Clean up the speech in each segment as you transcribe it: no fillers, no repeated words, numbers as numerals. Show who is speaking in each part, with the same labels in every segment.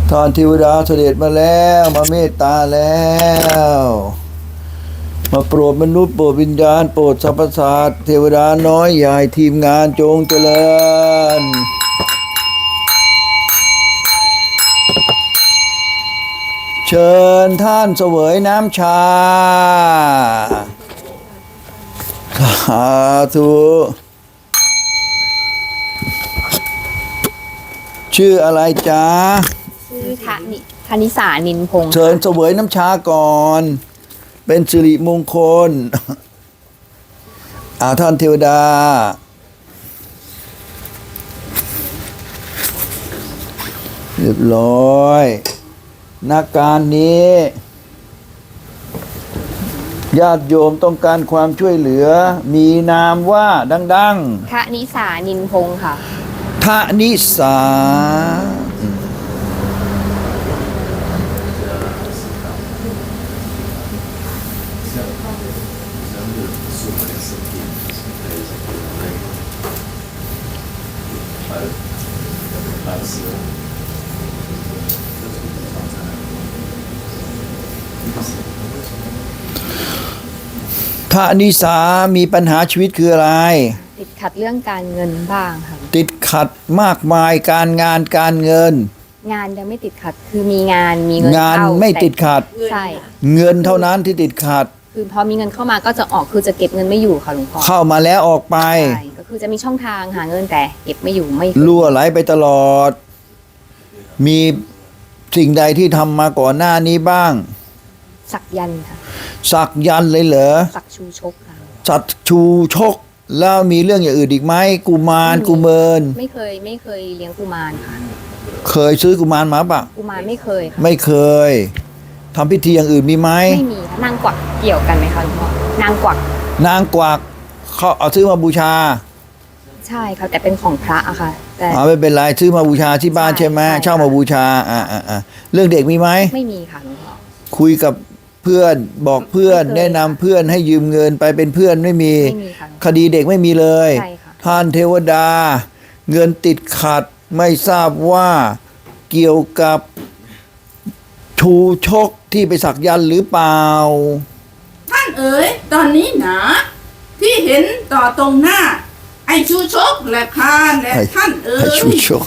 Speaker 1: ท่านเทวดาเสด็จมาแล้วมาเมตตาแล้วมาโปรดมนุษย์โปรดวิญญาณโปรดสรรพสัตว์เทวดาน้อยใหญ่ทีมงานจงเจริญเชิญท่านเสวยน้ำชาสาธุชื่ออะไรจ๊ะ
Speaker 2: ชื่อธนิสานินพงศ์
Speaker 1: เชิญเสวยน้ำชาก่อนเป็นสิริมงคลท่านเทวดาเรียบร้อยนักการนี้ญาติโยมต้องการความช่วยเหลือมีนามว่าดัง
Speaker 2: ๆธนิสานินพงศ์ค่ะ
Speaker 1: ธนิสาธนิสามีปัญหาชีวิตคืออะไร
Speaker 2: ติดขัดเรื่องการเงินบ้างค่ะ
Speaker 1: ติดขัดมากมายการงานการเงิน
Speaker 2: งานยังไม่ติดขัดคือมีเงิน
Speaker 1: งานไม่ติดขัด
Speaker 2: ใช่
Speaker 1: เงินเท่านั้นที่ติดขัด
Speaker 2: คือพอมีเงินเข้ามาก็จะออกคือจะเก็บเงินไม่อยู่ค่ะหลวงพ่อ
Speaker 1: เข้ามาแล้วออกไป
Speaker 2: ใช่ก็คือจะมีช่องทางหาเงินแต่เก็บไม่อยู่ไม่
Speaker 1: รั่วไหลไปตลอดมีสิ่งใดที่ทำมาก่อนหน้านี้บ้าง
Speaker 2: สักยันค่ะ
Speaker 1: สักยันเลยเหรอ
Speaker 2: สักชูชกค่ะ
Speaker 1: สักชูชกแล้วมีเรื่องอย่างอื่นอีกไหมกุมารกุเมิน
Speaker 2: ไม่เคยเลี้ยงกุมารค่ะ
Speaker 1: เคยซื้อกุมารมาปะ
Speaker 2: กุมารไม่เคยค่ะ
Speaker 1: ไม่เคยทำพิธีอย่างอื่นมีไหม
Speaker 2: ไม่มีนางกวักเกี่ยวกันไหมคะหลวงพ่อนางกวัก
Speaker 1: เขาเอาซื้อมาบูชา
Speaker 2: ใช่ค่ะแต่เป็นของพระอะค่ะแต่
Speaker 1: ไม่เป็นไรซื้อมาบูชาที่บ้านใช่ไหมเช่ามาบูชาเรื่องเด็กมีไหม
Speaker 2: ไม่มีค่ะหลวงพ่อ
Speaker 1: คุยกับเพื่อนบอกเพื่อนแนะนำเพื่อนให้ยืมเงินไปเป็นเพื่อนไม่มีคดีเด็กไม่มีเลยท่านเทวดาเงินติดขัดไม่ทราบว่าเกี่ยวกับชูชกที่ไปสักยันหรือเปล่า
Speaker 3: ท่านเอ๋ยตอนนี้นะที่เห็นต่อตรงหน้าไอ้ชูชกและคาและท่านเอ๋ย
Speaker 1: ชูชก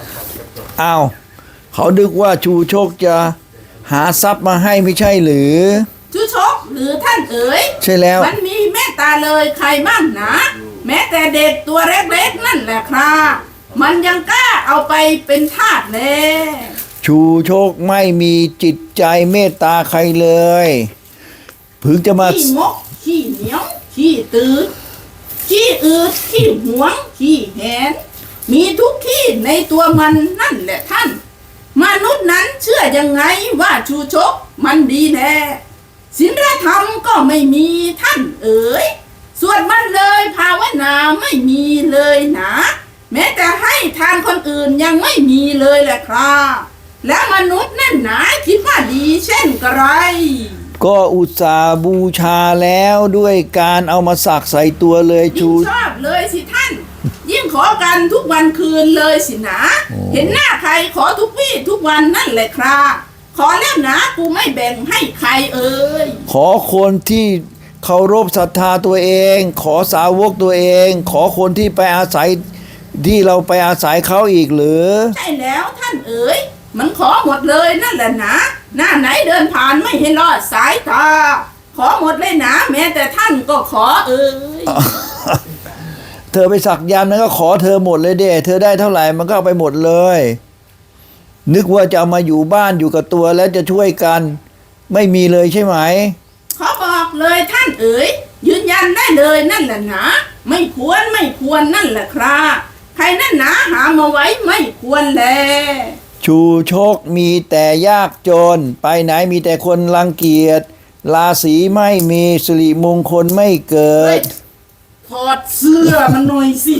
Speaker 1: เขาดึกว่าชูชกจะหาทรัพย์มาให้ไม่ใช่หรือ
Speaker 3: ชูชกหรือท่านเอ๋ย
Speaker 1: ใช่แล้ว
Speaker 3: มันมีเมตตาเลยใครบ้างนะแม้แต่เด็กตัวเล็กๆนั่นแหละครับมันยังกล้าเอาไปเป็นทาสเลย
Speaker 1: ชูชกไม่มีจิตใจเมตตาใครเลยพึงจะมา
Speaker 3: ขี้งกขี้เหนียวขี้ตื่นขี้อืดขี้หวงขี้แหนมีทุกที่ในตัวมันนั่นแหละท่านมนุษย์นั้นเชื่อยังไงว่าชูชกมันดีแน่ศีลธรรมก็ไม่มีท่านเอ๋ยสวดมันเลยภาวนาไม่มีเลยนะแม้แต่ให้ทานคนอื่นยังไม่มีเลยแหละครับแล้วมนุษย์นั่นหนาคิดว่าดีเช่นกระไร
Speaker 1: ก็อุตส่าห์บูชาแล้วด้วยการเอามาสักใส่ตัวเลยชู
Speaker 3: ชอบเลยสิท่านยิ่งขอกันทุกวันคืนเลยสินะเห็นหน้าใครขอทุกวี่ทุกวันนั่นแหละครับขอแล้วนะกูไม่แบ่งให้ใครเอ่ย
Speaker 1: ขอคนที่เคารพศรัทธาตัวเองขอสาวกตัวเองขอคนที่ไปอาศัยที่เราไปอาศัยเขาอีกหรือ
Speaker 3: ใช่แล้วท่านเอ๋ยมันขอหมดเลยนั่นแหละนะหน้าไหนเดินผ่านไม่เห็นรอดสายตาขอหมดเลยนะแม้แต่ท่านก็ขอเอ่ย
Speaker 1: เธอไปสักยันต์นั้นก็ขอเธอหมดเลยเด้เธอได้เท่าไหร่มันก็เอาไปหมดเลยนึกว่าจะเอามาอยู่บ้านอยู่กับตัวแล้วจะช่วยกันไม่มีเลยใช่ไหม
Speaker 3: ขอบอกเลยท่านเอ๋ยยืนยันได้เลยนั่นแหละนะไม่ควรนั่นแหละครับใครนั่นนะหามาไว้ไม่ควรแล
Speaker 1: ชูชกมีแต่ยากจนไปไหนมีแต่คนรังเกียจราศีไม่มีสิริมงคลไม่เกิด
Speaker 3: ถอดเสื้อมันหน่อยสิ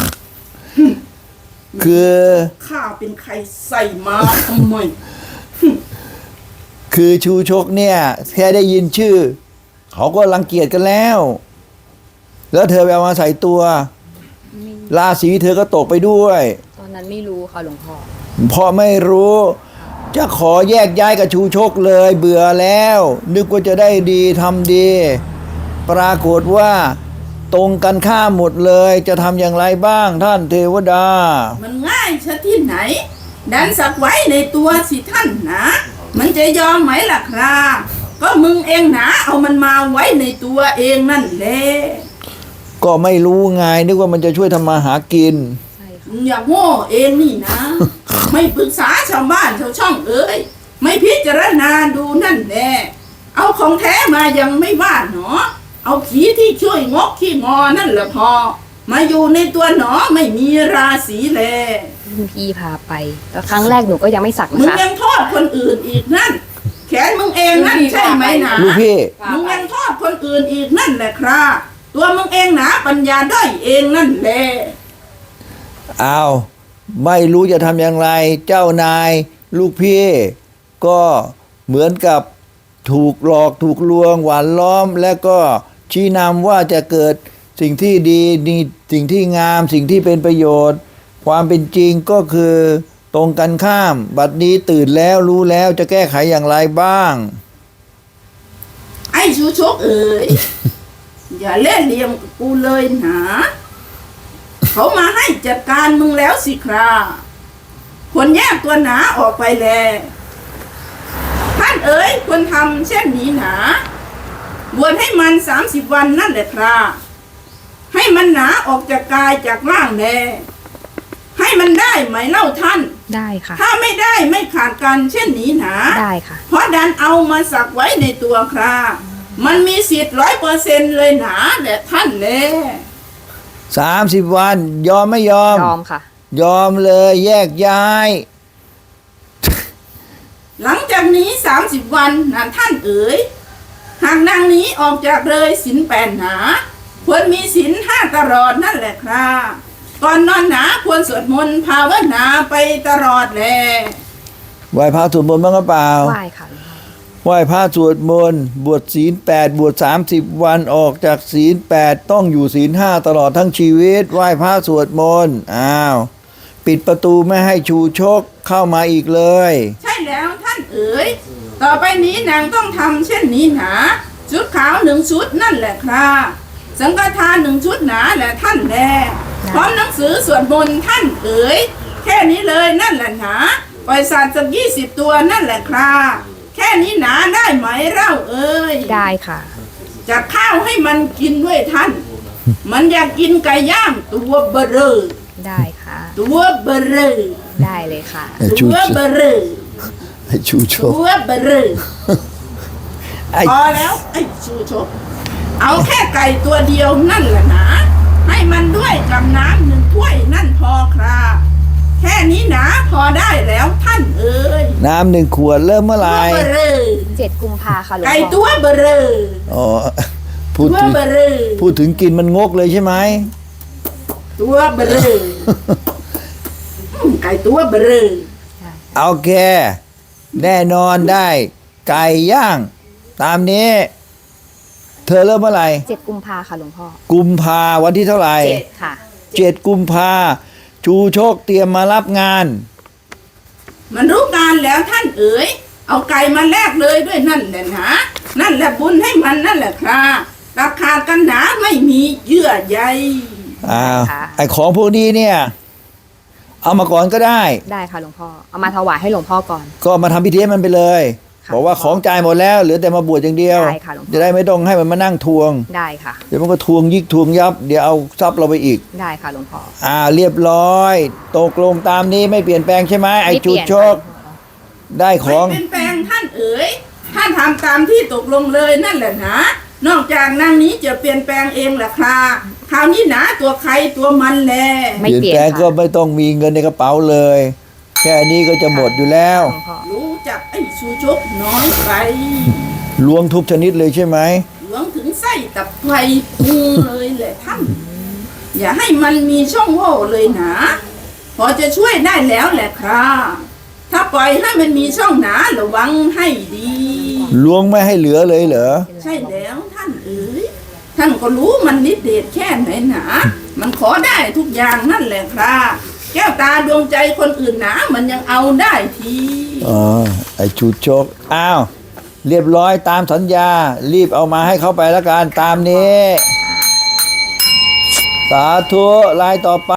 Speaker 1: คือ
Speaker 3: ข้าเป็นใครใส่มาทำไม
Speaker 1: คือชูชกเนี่ยแค่ได้ยินชื่อเขาก็รังเกียจกันแล้วเธอไปเอามาใส่ตัวราศีเธอก็ตกไปด้วย
Speaker 2: ตอนนั้นไม่รู้ค่ะหลวงพ่อ
Speaker 1: เพราะไม่รู้จะขอแยกย้ายกับชูชกเลยเบื่อแล้ว นึกว่าจะได้ดีทำดี ปรากฏว่าตรงกันข้ามหมดเลยจะทำอย่างไรบ้างท่านเทวดา
Speaker 3: มันง่ายชะที่ไหน ดันสักไว้ในตัวสิท่านนะมันจะยอมไหมล่ะครับก็มึงเองนะเอามันมาไว้ในตัวเองนั่นแหละ
Speaker 1: ก็ไม่รู้ไงนึกว่ามันจะช่วยทำมาหากิน
Speaker 2: ใช่ค่ะ
Speaker 3: มึงอย่าโง่เองนี่นะ ไม่ปรึกษาชาวบ้านชาวช่องเอ้ยไม่พิจารณาดูนั่นแหละเอาของแท้มายังไม่ว่าหนอเอาผีที่ช่วยงกขี้งอนั่นแหละพอ มาอยู่ในตัวหนอไม่มีราศีแล
Speaker 2: รุ่นพี่พาไปแล้วครั้งแรกหนูก็ยังไม่สัก
Speaker 3: มึ
Speaker 2: นะ
Speaker 3: ง
Speaker 2: คะ
Speaker 3: ยังโทษคนอื่นอีกนั่น แขนมึงเองนั่นใช่ไหมนะ
Speaker 1: ลูกพี่
Speaker 3: มึงยังโทษคนอื่นอีกนั่นแหละครับตัวมึงเองนะปัญญาด้อยเองนั่นแหละ
Speaker 1: อ้าวไม่รู้จะทำอย่างไร เจ้านาย ลูกพี่ ก็เหมือนกับถูกหลอกถูกลวงหวานล้อม และก็ชี้นำว่าจะเกิดสิ่งที่ดีนี่สิ่งที่งามสิ่งที่เป็นประโยชน์ ความเป็นจริงก็คือตรงกันข้าม บัดนี้ตื่นแล้วรู้แล้วจะแก้ไขอย่างไรบ้าง
Speaker 3: ไอ้ชูชกเอ๋ย อย่าเล่นเหลี่ยมกับกูเลยนะเขามาให้จัดการมึงแล้วสิครับควรแยกตัวหนาออกไปแลท่านเอ๋ยควรทำเช่นนี้หนาบวชให้มัน30 วันนั่นแหละครับให้มันหนาออกจากกายจากร่างแลให้มันได้ไหมเล่าท่าน
Speaker 2: ได้ค่ะ
Speaker 3: ถ้าไม่ได้ไม่ขาดกันเช่นนี้หนา
Speaker 2: ได้ค่ะ
Speaker 3: เพราะดันเอามาสักไว้ในตัวครับมันมีสิทธิ์100%เลยหนาแหละท่านแล
Speaker 1: 30 วันยอมไม่ยอม
Speaker 2: ยอมค่ะ
Speaker 1: ยอมเลยแยกย้าย
Speaker 3: หลังจากนี้30 วันนะท่านเอ๋ยหากนางนี้ออกจากเลยศีล8หนาควรมีศีล5ตลอดนั่นแหละครับก่อนนอนหนาควรสวดมนต์ภาวนาไปตลอดแล
Speaker 1: ไหว้พระสวดมนต์บ้างหรือเปล่า
Speaker 2: ไหว้ค่ะหลวงพ่อ
Speaker 1: ไหว้พระสวดมนต์บวชศีล8บวช30 วันออกจากศีล8ต้องอยู่ศีล5ตลอดทั้งชีวิตไหว้พระสวดมนต์อ้าวปิดประตูไม่ให้ชูชกเข้ามาอีกเลย
Speaker 3: ใช่แล้วท่านเอ๋ยต่อไปนี้นางต้องทำเช่นนี้หนาชุดขาว1 ชุดนั่นแหละครับสังฆทาน1 ชุดหนาแหละท่านแลพร้อมหนังสือสวดมนต์ท่านเอ๋ยแค่นี้เลยนั่นแหละหนาปล่อยสัตว์สัก20 ตัวนั่นแหละครับแค่นี้หนาได้ไหมเล่าเอ้ย
Speaker 2: ได้ค่ะ
Speaker 3: จะข้าวให้มันกินด้วยท่าน มันอยากกินไก่ย่างตัวเบอเรอ
Speaker 2: ได้ค่ะ
Speaker 3: ตัวเบอเรอ
Speaker 2: ได้เลยค่ะ
Speaker 3: ตัวเบอเรอ
Speaker 1: ไอ้ชูช
Speaker 3: ตั
Speaker 1: ก
Speaker 3: วเบอเรอ
Speaker 1: ไอ้
Speaker 3: พอแล้วไอ้ชูชกเอาแค่ไก่ตัวเดียวนั่นแหละนะให้มันด้วยกับน้ำ1 ถ้วยนั่นพอครับแค่นี้นะพอได้แล้วท่านเอ้ย
Speaker 1: น้ำ1 ขวดเริ่มเมื่อไห
Speaker 3: ตั
Speaker 1: ร่
Speaker 3: วเบอเรอ
Speaker 2: 7 กุมภาค่ะหลวง
Speaker 3: ไก่
Speaker 2: พ่อ
Speaker 3: ตัวเบอเรอ
Speaker 1: อ๋อพูด
Speaker 3: ตัว
Speaker 1: ถึง
Speaker 3: เบอเรอ
Speaker 1: พูดถึงกินมันงกเลยใช่ไหม
Speaker 3: ตัวเบอเรอไก่ตัวเบอเรอ
Speaker 1: เอาแค่แน่นอนได้ ไก่ย่าง ตามนี้ เธอเริ่มเมื่อไหร่
Speaker 2: 7 กุมภาค่ะหลวงพ่อ
Speaker 1: กุมภาวันที่เท่าไหร่
Speaker 2: 7 ค่ะ
Speaker 1: 7 กุมภาชูโชคเตรียมมารับงาน
Speaker 3: มันรู้งานแล้วท่านเอ๋ยเอาไก่มาแลกเลยด้วยนั่นแหละนะนั่นแหละบุญให้มันนั่นแหละครับราคากันหนาไม่มีเยื่อใย
Speaker 1: อ้าว
Speaker 2: ค่ะ
Speaker 1: ไอของพวกนี้เนี่ย เอามาก่อนก็ได้
Speaker 2: ได้ค่ะหลวงพ่อ เอามาถวายให้หลวงพ่อก่อน
Speaker 1: ก็มาทำพิธีให้มันไปเลย
Speaker 2: ค่ะ
Speaker 1: บอกว่าของจ่ายหมดแล้วเหลือแต่มาบวชอย่างเดียว
Speaker 2: ได้ค่ะหลวงพ่อ
Speaker 1: จะได้ไม่ต้องให้มันมานั่งทวง
Speaker 2: ได้ค่ะ
Speaker 1: เดี๋ยวมันก็ทวงยิกทวงยับ เดี๋ยวเอาทรัพย์เราไปอีก
Speaker 2: ได้ค่ะหลวงพ่อ
Speaker 1: เรียบร้อย ตกลงตามนี้ไม่เปลี่ยนแปลงใช่ไหมไอ
Speaker 2: ม่เป
Speaker 1: ชู
Speaker 2: ลี่ยน
Speaker 1: โชค
Speaker 2: ค่ะ
Speaker 1: ได้ข
Speaker 3: ไม่
Speaker 1: อง
Speaker 3: เป็นแปลงท่านเอ๋ยท่านทำตามที่ตกลงเลยนั่นแหละนะนอกจากนางนี้จะเปลี่ยนแปลงเองล่ะครับคราวนี้หนาตัวใครตัวมันแล
Speaker 2: ไม่
Speaker 1: เปลี่ยน
Speaker 2: เปลี่ยน
Speaker 1: แปลงก็
Speaker 2: ค่ะ
Speaker 1: ไม่ต้องมีเงินในกระเป๋าเลย แค่นี้ก็จะหมดอยู่แล้ว
Speaker 2: หลวงพ่อ
Speaker 3: รู้จักไอ้ชูชกน้อยไป
Speaker 1: ล้วงทุกชนิดเลยใช่ไหม
Speaker 3: หลวงถึงไส้ตับไฟพุงเลยแหละท่าน อย่าให้มันมีช่องโหว่เลยนะพอจะช่วยได้แล้วแหละครับถ้าปล่อยให้มันมีช่องหนาระวังให้ดี
Speaker 1: ล้วงไม่ให้เหลือเลยเหรอ
Speaker 3: ใช่แล้วท่านเอ๋ยท่านก็รู้มันนิดเดชแค่ไหนหนามันขอได้ทุกอย่างนั่นแหละครับแก้วตาดวงใจคนอื่นหนามันยังเอาได้ที
Speaker 1: อ๋ออ้ชูชกอ้าวเรียบร้อยตามสัญญารีบเอามาให้เขาไปแล้วกันตามนี้ สาธุลายต่อไป